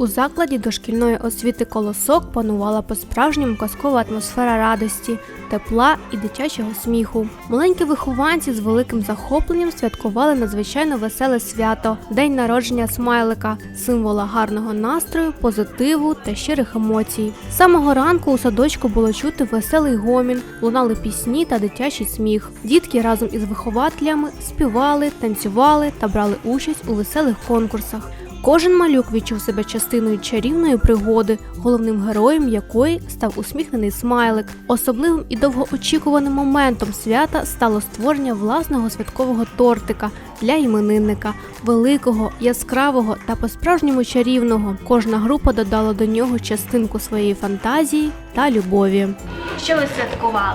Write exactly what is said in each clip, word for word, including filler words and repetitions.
У закладі дошкільної освіти «Колосок» панувала по-справжньому казкова атмосфера радості, тепла і дитячого сміху. Маленькі вихованці з великим захопленням святкували надзвичайно веселе свято – день народження смайлика, символа гарного настрою, позитиву та щирих емоцій. З самого ранку у садочку було чути веселий гомін, лунали пісні та дитячий сміх. Дітки разом із вихователями співали, танцювали та брали участь у веселих конкурсах. Кожен малюк відчув себе частиною чарівної пригоди, головним героєм якої став усміхнений смайлик. Особливим і довгоочікуваним моментом свята стало створення власного святкового тортика для іменинника. Великого, яскравого та по-справжньому чарівного. Кожна група додала до нього частинку своєї фантазії та любові. Що ви святкували?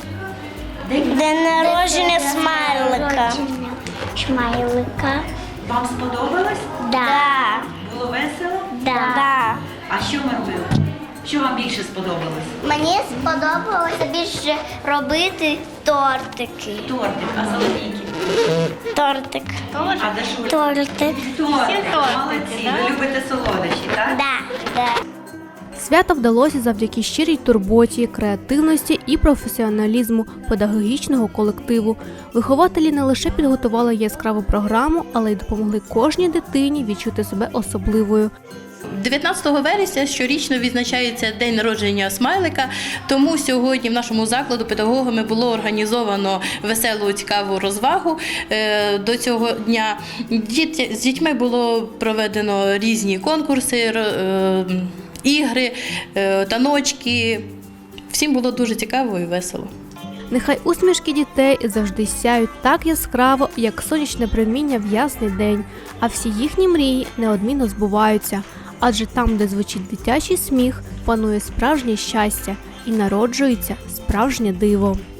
День народження смайлика. Смайлика. Вам сподобалось? Да. Було весело? Да. Да. А що ми робили? Що вам більше сподобалось? Мені сподобалося більше робити тортики. Тортик, а солоденький? Тортик. А де ж ви? Тортик. Тортик. Молодці. Ви любите солодощі, так? Да. Да. Свято вдалося завдяки щирій турботі, креативності і професіоналізму педагогічного колективу. Вихователі не лише підготували яскраву програму, але й допомогли кожній дитині відчути себе особливою. дев'ятнадцятого вересня щорічно відзначається день народження смайлика, тому сьогодні в нашому закладу педагогами було організовано веселу, цікаву розвагу до цього дня. З дітьми було проведено різні конкурси, ігри, таночки. Всім було дуже цікаво і весело. Нехай усмішки дітей завжди сяють так яскраво, як сонячне проміння в ясний день, а всі їхні мрії неодмінно збуваються. Адже там, де звучить дитячий сміх, панує справжнє щастя і народжується справжнє диво.